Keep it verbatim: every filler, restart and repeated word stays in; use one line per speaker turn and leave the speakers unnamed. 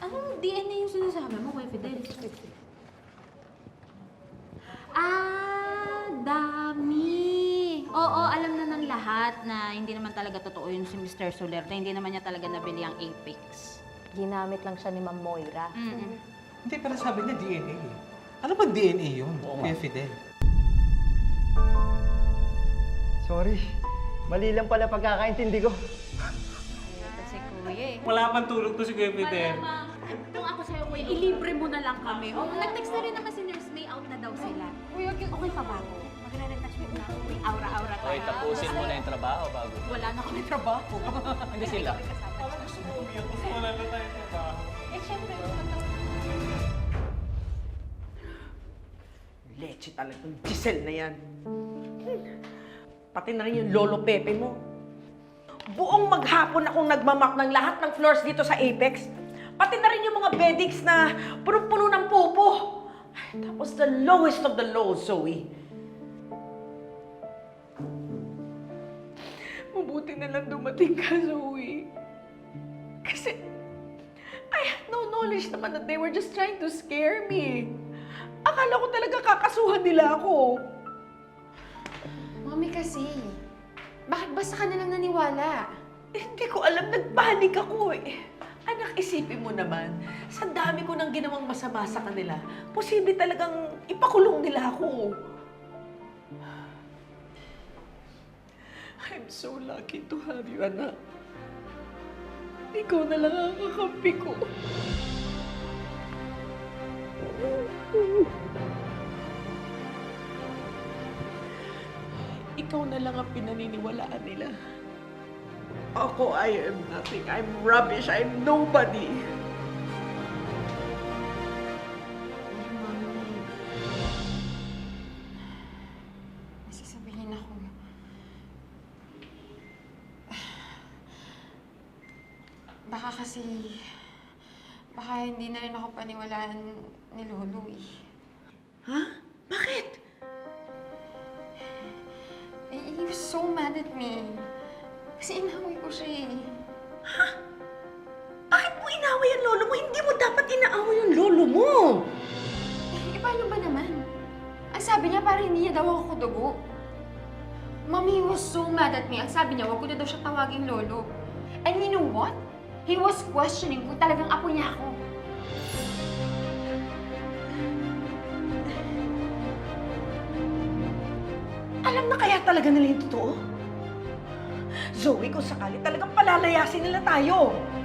Anong D N A yung sinasabi mo, Kuya Fidel? Ah, dami! Oo, alam na ng lahat na hindi naman talaga totoo yun si Mister Soler, na hindi naman niya talaga nabili ang Apex.
Ginamit lang siya ni Ma'am Moira.
Mm-mm.
Hindi, pero sabi niya D N A eh. Ano ba D N A yun, Kuya Fidel?
Sorry. Mali lang pala pagkakaintindi ko.
Ito si Kuya eh.
Wala pang tulog to si Kuya Fidel.
Malamang, kung ako sa'yo, Kuya, ilibre mo na lang kami. O, nag-text na rin naman si Nurse May, out na daw sila. Kuya, okay pa ba ako? Magre-retouch mo na ako. May aura-aura tayo.
Okay, tapusin mo na yung trabaho bago.
Wala na kami trabaho.
Hindi sila.
Parang gusto mo umiyak kasi wala na tayong trabaho.
Eh, syempre,
Leche talagang Giselle na yan. Hmm. Pati na rin yung Lolo Pepe mo. Buong maghapon akong nagmamak ng lahat ng floors dito sa Apex. Pati na rin yung mga beddings na punong-puno ng pupo. Ay, tapos the lowest of the low, Zoe. Mabuti na lang dumating ka, Zoe. Kasi I had no knowledge naman that they were just trying to scare me. Akala ko talaga kakasuhan nila ako.
Mami kasi, bakit ba sa kanila naniwala?
Eh, hindi ko alam, nagpanik ako eh. Anak, isipin mo naman, sa dami ko nang ginawang masama sa kanila, posible talagang ipakulong nila ako. I'm so lucky to have you, anak. Ikaw na lang ang kakampi ko. Ikaw na lang ang pinaniniwalaan nila. Ako, I am nothing. I'm rubbish. I'm nobody.
Mami, may sasabihin ako. Baka kasi, baka hindi na rin ako paniwalaan ni Lolo eh.
Ha? Bakit?
Eh, He was so mad at me. Kasi inaway ko siya eh.
Ha? Bakit mo inaway ang lolo mo? Hindi mo dapat inaaway yung lolo mo.
Eh, paano ba naman? Ang sabi niya, parang hindi niya daw ako dugo. Mommy, he was so mad at me. Ang sabi niya, wag ko na daw siya tawaging lolo. And you know what? He was questioning kung talagang apo niya ako.
Alam na kaya talaga nila yung totoo? Zoe, kung sakali talagang palalayasin nila tayo.